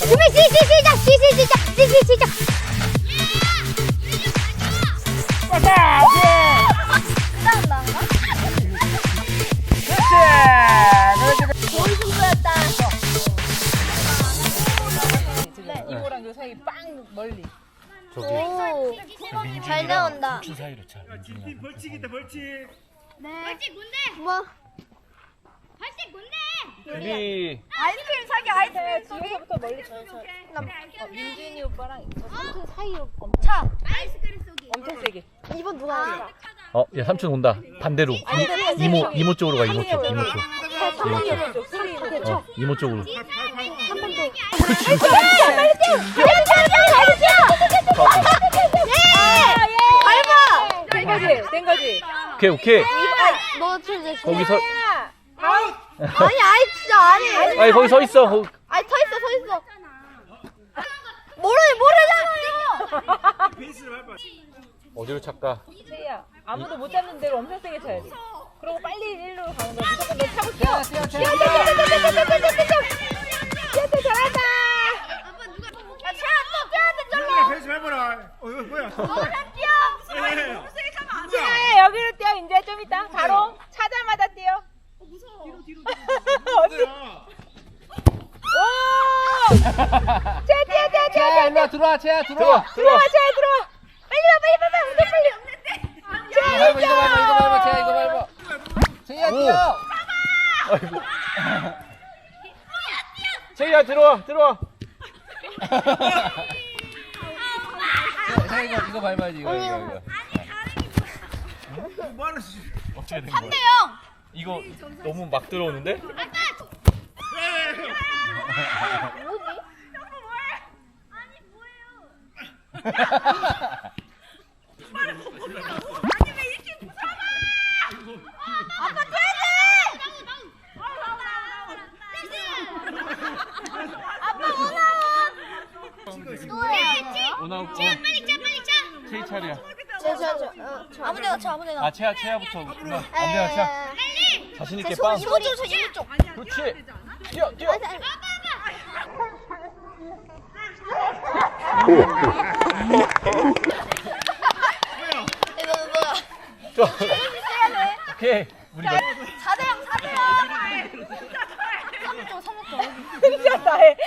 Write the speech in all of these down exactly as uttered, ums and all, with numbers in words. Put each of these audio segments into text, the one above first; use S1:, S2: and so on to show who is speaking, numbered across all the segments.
S1: 준비 시, 시, 시작! 시, 시, 시작! 시, 시, 시작!
S2: 맞다!
S1: 그다음 나인가?
S2: 그렇지!
S1: 거의 승부였다.
S2: 네. 이거랑 요 사이 빵 멀리.
S1: 오, 잘 나온다.
S3: 피 사이로 차.
S4: 뒷팀 벌칙이다 벌칙.
S1: 네. 벌칙 뭔데? 뭐? 벌칙 뭔데?
S3: 준비.
S2: 아이스크림 사기 아이스크림 뒤에서부터 멀리 쳐. 어, 민준이 오빠랑 삼촌 사이로 엄청
S1: 차. 아이스크림 쏘기.
S2: 엄청 세게.
S1: 이번 누가 하는
S3: 어, 야 삼촌 온다. 반대로. 이모 이모 쪽으로 가. 이모 쪽. 이모 쪽. 이모 쪽. 어, 이모 쪽으로.
S1: 한번 더.
S2: 된 거지? 된 거지?
S3: 오케이 오케이.
S1: 너 진짜.
S3: 거기 서.
S1: 아니, 아이 진짜 아니.
S3: 아니 거기 서 있어. 거기.
S1: 아니 서 있어, 서 있어. 모르 모르잖아요.
S4: 베이스를 밟아.
S3: 어디로 찰까?
S2: 세희야 아무도 못 잡는 대로 엄청 세게 쳐야 돼. 그리고 빨리 일로 가는 거야. 무조건 너 차고 뛰어. 뛰어 뛰어 뛰어 뛰어 뛰어 잘한다.
S1: 야, 채아 또 쟤한테
S4: 민준아
S1: 절로.
S4: 베이스 밟아라. 어 이거 뭐야?
S1: 너랑 뛰어.
S2: 세희야 여기로 뛰어. 이제 좀 이따 바로 차자마자 뛰어. 무서워. 뒤로 뒤로 뒤로. 오! 채아 뛰어 뛰어 뛰어 뛰어.
S3: 일로 들어와. 채야 들어와.
S2: 들어와 채아 들어와. 빨리 와 빨리 빨리 빨리 빨리. 채아
S3: 이거 밟아 이거 밟아 채야 이거 밟아. 채야 뛰어. 아이고. 채야 들어와 들어와. 채야 이거 이거 밟아야지 이거 이거 이거.
S4: 뭐 하는 씨.
S3: 어떻게 된
S1: 삼
S3: 거야?
S1: 대 영.
S3: 이거 너무 막 들어오는데?
S1: 아빠 뛰어야 돼. 아빠 오나원.
S3: 오나
S1: 채아 빨리 차, 빨리 차.
S3: 채이 차례야.
S1: 저, 저, 저, 어, 저 아무데나 쳐, 아무데나.
S3: 아 채야 채야부터. 엄대나 차. 자신 있게 빵.
S1: 이모 쪽, 저 이모 쪽.
S3: 그렇지. 뛰어 뛰어.
S1: 이거 뭐야?
S3: 좋아. 오케이. 우리 너.
S1: 사 대 영, 사 대 영. 삼 점, 삼 점.
S2: 미쳤다 해.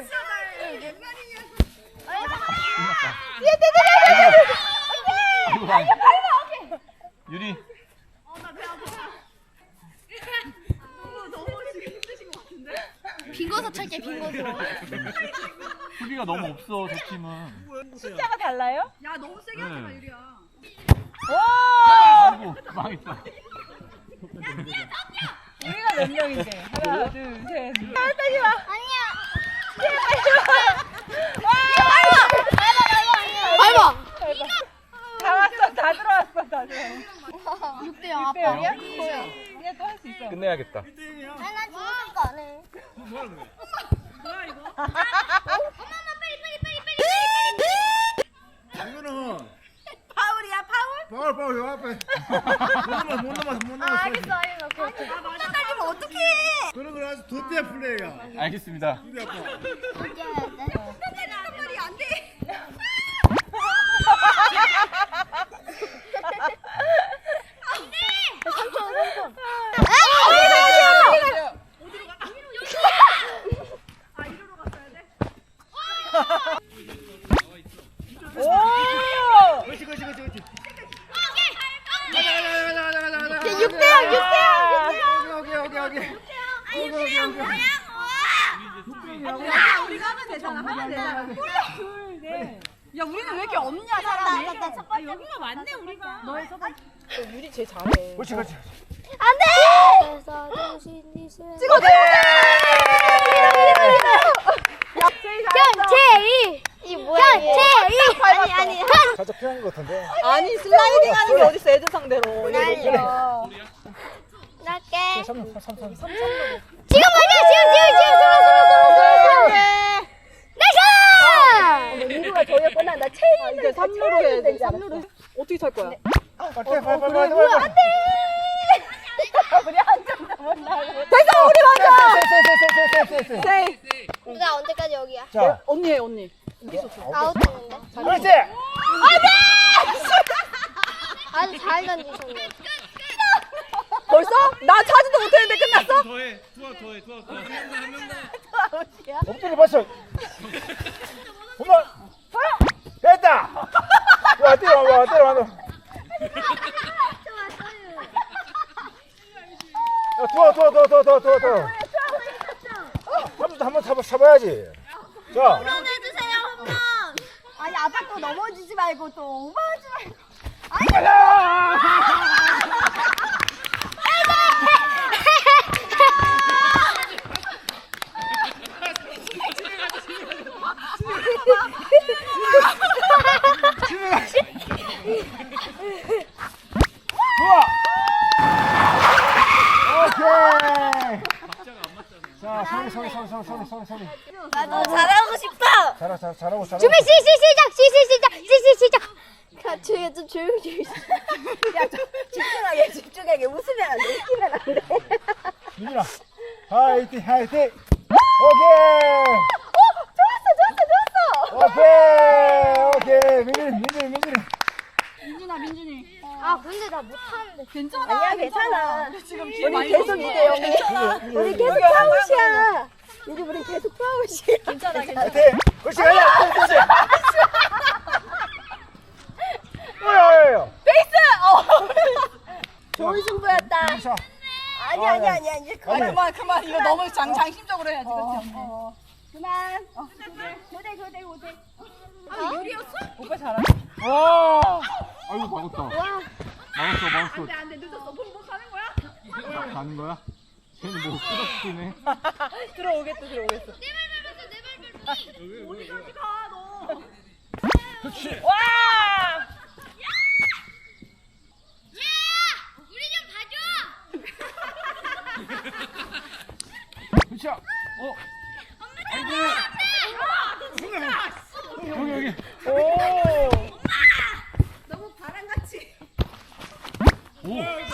S3: 아이고, 아이고. 유리.
S1: 빙고서 찰게, 빙고서.
S3: 수비가 너무 없어 저 팀은.
S2: 숫자가 달라요?
S5: 야 너무 세게 하지 마 유리야.
S2: 오!
S3: 아이고 망했다.
S2: 우리가 몇 명인데? 하나, 둘, 셋. 아, 빼지 마.
S1: 아니야.
S2: 와!
S1: 밟아.
S2: 다 왔어, 다 들어왔어, 다 들어왔어.
S1: 육 대 영, 아빠.
S2: 빼야? 이제 또 할 수 있어.
S3: 끝내야겠다.
S1: 아니, 난 지금 생각 안 해.
S4: 뭐 하는 거야?
S5: 뭐야 이거?
S1: 엄마, 엄마, 빨리, 빨리, 빨리, 빨리, 빨리.
S4: 이거는
S5: 파울이야 파울?
S4: 파울 파울 요 앞에. 못 넘어서 못 넘어서 못
S1: 아,
S4: 넘어서.
S1: 알겠어, 알겠어. 오케이, 오케이.
S5: 나 따지면 어떡해?
S4: 그런 걸 아주 덧대야 플레이야.
S3: 알겠습니다.
S4: 우리 아빠.
S1: 이겨야 돼.
S5: 따지는 말이 안 돼.
S2: 오!
S4: 그렇지 그렇지 그렇지 그렇지.
S1: 육 대 영, 육 대 영,
S4: 오케이 오케이 오케이 오케이.
S1: 육 대 영.
S5: 야 우리가 하면 되잖아 하면 되잖아.
S2: 둘, 넷.
S5: 야 우리는 왜 이렇게 없냐 사람이?
S1: 나, 나, 나,
S5: 아 여기가 많네 우리가. 너의 첫 번째.
S2: 유리 제일 잘해.
S4: 그렇지 그렇지.
S1: 안 돼!
S2: 찍어 돼!
S1: 형, 제이! 이 뭐야? 형, 제이! 아니, 아니, 형!
S4: 살짝 피한 것 같은데.
S2: 아니 슬라이딩 하는 게 어딨어 애들 상대로.
S1: 날려. 날게.
S4: 삼 삼 삼 삼.
S1: 지금 맞아! 지금, 지금, 지금! 들어, 들어, 들어, 들어! 나이스!
S2: 민구가 저기에 뻔한 나 체인 이제 삼루로 해야 돼. 삼루로 어떻게 찰 거야?
S4: 빨리 빨리 빨리 빨리.
S2: 우리 안 된다. 됐어 우리 먼저.
S4: 쎄쎄쎄쎄쎄쎄.
S2: 네.
S1: 나 언제까지 여기야?
S4: 자,
S2: 언니 해 언니.
S1: 아웃됐는데?
S4: 그렇지.
S1: 아주 잘 던지셨네.
S2: 벌써? 나 차지도 못했는데 끝났어?
S6: 더해 투아 더해 투아 더해
S4: 엎드려 봤어. 홈런. 됐다. 와, 때려, 와, 때려, 와. 야, 도와, 도와, 도와, 도와, 도와, 도와, 도와. 한번 잡아, 잡아야지. 자.
S1: 해주세요, 홈런.
S5: 아니 아빠 또 넘어지지 말고 또 오버하지 말고.
S4: 가자! 좋아. 오케이. 자, 소리, 소리, 소리, 소리, 소리, 소리, 소리.
S1: 나도 잘하고 싶어.
S4: 잘하, 잘, 잘하고, 잘하고.
S1: 준비 시, 시, 시작, 시, 시, 시작, 시, 시, 시작. 야, 조용히 좀 조용히 좀.
S2: 야좀 집중하게 집중하게 웃으면 안 돼. 웃기면 안 돼.
S4: 민준아, 화이팅, 화이팅. 오케이.
S2: 좋았어 좋았어 좋았어.
S4: 오케이, 오케이. 민준이, 민준이, 민준이.
S5: 민준아 민준이.
S1: 아, 근데 나 못하는데.
S5: 괜찮아.
S2: 아니야 괜찮아.
S5: 지금 뒤에
S2: 우리
S5: 많이
S2: 계속
S5: 넘어져.
S2: 이대 영이야. 우리 계속 파웃이야. 이제 우리 계속 파웃이야. 괜찮아 괜찮아.
S4: 화이팅. 그렇지, 가자. 그렇지. 뭐야,
S2: 베이스. 어. 좋은 승부였다.
S4: 자,
S2: 아니 아니 아니 아니 이제
S4: 아니.
S2: 그만.
S5: 그만 그만 이거 너무 장 장심적으로 해야지
S2: 어,
S5: 그렇지.
S2: 어.
S5: 그만. 교대 교대 교대. 아 유리였어?
S2: 오빠 잘하.
S4: 와. 아이고, 막았다.
S1: 와,
S4: 막았어, 막았어.
S5: 안돼 안돼 늦었어. 뭐 가는 거야?
S4: 가는 거야? 쟤는 뭐 끄덕이네.
S2: 들어오겠어 들어오겠어.
S5: 어디까지 가 너?
S4: 그렇지.
S2: 와.
S4: 그렇지. 어. 아이고. 여기, 여기.
S2: 오.
S5: 너무 바람같이.
S4: 오.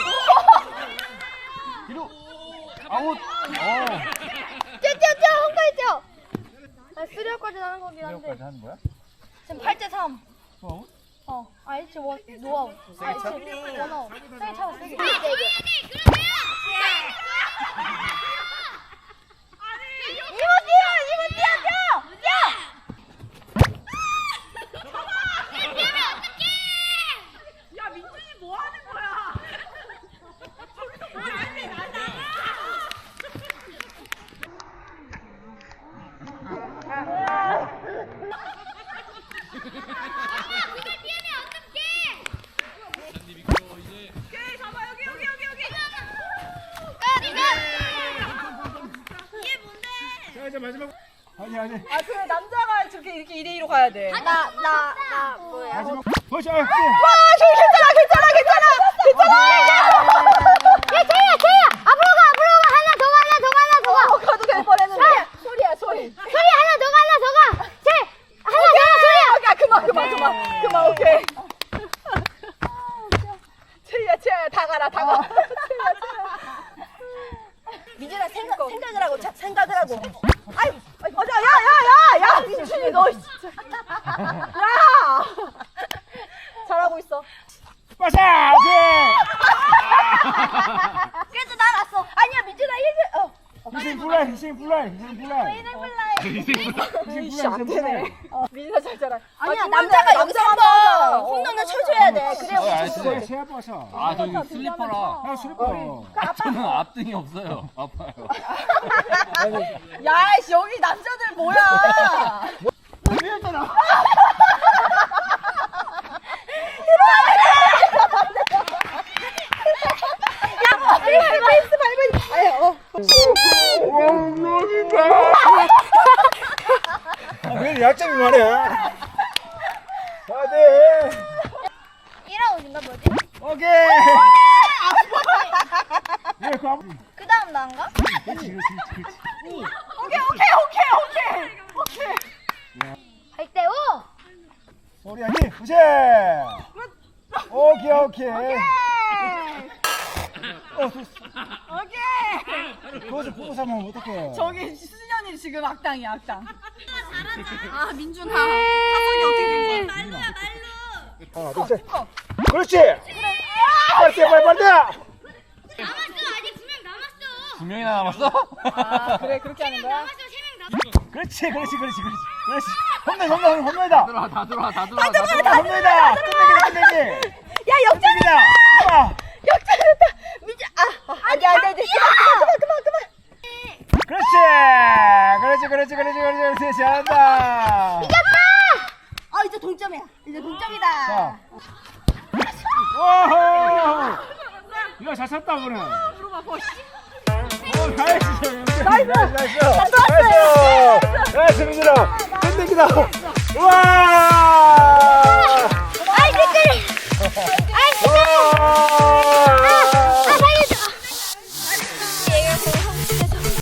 S4: 뒤로. 아웃. 어.
S1: 뛰어, 뛰어, 뛰어, 홈까지 뛰어. 아, 쓰리아웃까지 나는 거긴 한데.
S4: 여기까지 하는 거야?
S1: 지금 팔 대 삼.
S4: 또 아웃?
S1: 어, 아니, 지금 원, 노아웃. 아니,
S4: 차?
S1: 지금 원아웃. 세게 차고, 세게. 세게. 이모 뛰어! 이모 뛰어! 뛰어! 뛰어!
S5: 야 민준이 뭐 하는 거야? 저기서 안돼 나 나가. 오케이 잡아 여기 여기 여기 여기.
S4: 자, 이제 마지막. 아니, 아니.
S2: 아 그 남자가 저렇게 이렇게 이 대 이로 가야 돼.
S1: 나, 나, 나, 뭐야.
S4: 마지막. 벌써. 아,
S2: 와 저기 괜찮아 괜찮아 괜찮아
S1: 야, 제이야, 제이야! 앞으로 가, 앞으로 가! 하나 더 가, 하나 더 가, 하나 더 가!
S2: 어 가도 될 뻔했는데. 소리야 소리.
S1: 소리 하나 더 가, 하나 더 가! 제이! 하나 더 가, 소리야!
S2: 야 그만 그만 그만 그만 오케이. 채야 채야 다 가라 다 가. 민준아 생각 생각을 하고 자, 생각을 하고. 아이 아이 맞아 야야야야 민준이 너 진짜. 야 잘하고 있어.
S4: 빠샤. 오케이.
S2: 그래도 나갔어. 아니야 민준아 일등. 어.
S4: 희생 불날, 희생 불날, 희생 불날.
S2: 이씨 안 되네. 어, 민준아 잘 자라.
S5: 아니야,
S2: 남자가 여기서 한번
S5: 어,
S2: 홈런을 쳐줘야 돼. 그래야 우리
S3: 알았어.
S2: 좋은 거지.
S4: 새 아빠 쳐.
S3: 아 저기 슬리퍼라.
S4: 아, 슬퍼.
S3: 저는 앞등이 없어요. 아파요.
S2: 야, 씨, 여기 남자들 뭐야?
S4: 이랬잖아.
S2: 야, 페이스 밟으니. 아유, 어.
S4: 아, 왜 약점이 많아? 다들.
S1: 일아웃 인가 뭐지?
S4: 오케이. 예, 그 아무.
S1: 그 다음 나인가?
S4: 그렇지, 그렇지, 그렇지.
S2: 오케이, 오케이, 오케이, 오케이. 오케이.
S1: 팔 대 오!
S4: 소리 아니, 그치? 오케이, 오케이. 어,
S2: 오케이.
S4: 그거 좀 보고 사면 어떡해.
S2: 저기 수진이 지금 악당이야 악당.
S5: 아 민준아 타석이 어떻게 된 거야? 말로야 말로.
S4: 하나, 둘, 셋. 그렇지. 빨리 뛰어, 빨리 빨리 뛰어.
S1: 남았어 아직 두 명 남았어.
S3: 두 명이나 남았어?
S2: 아 그래 그렇게 하는 거야?
S1: 남았어 세 명 남았어.
S4: 그렇지, 그렇지, 그렇지, 그렇지. 그렇지. 홈런, 홈런, 홈런이다.
S3: 들어와 다 들어와 다 들어와 다
S4: 홈런, 홈런이다. 끝내기, 끝내기.
S2: 야 역전이다.
S4: 아,
S2: 역전했다. 민준 아 안돼 안돼 안돼 그만 그만 그만 그만.
S4: 그렇지. 그렇지, 그렇지, 그렇지, 그렇지, 그렇지. 잘한다.
S2: 어 이제 동점이야. 이제 동점이다.
S4: 자. 오호. 이거 잘 쳤다, 오늘. 오, 나이스. 나이스. 나이스. 나이스. 나이스. 민준아. 끝내기다. 우와.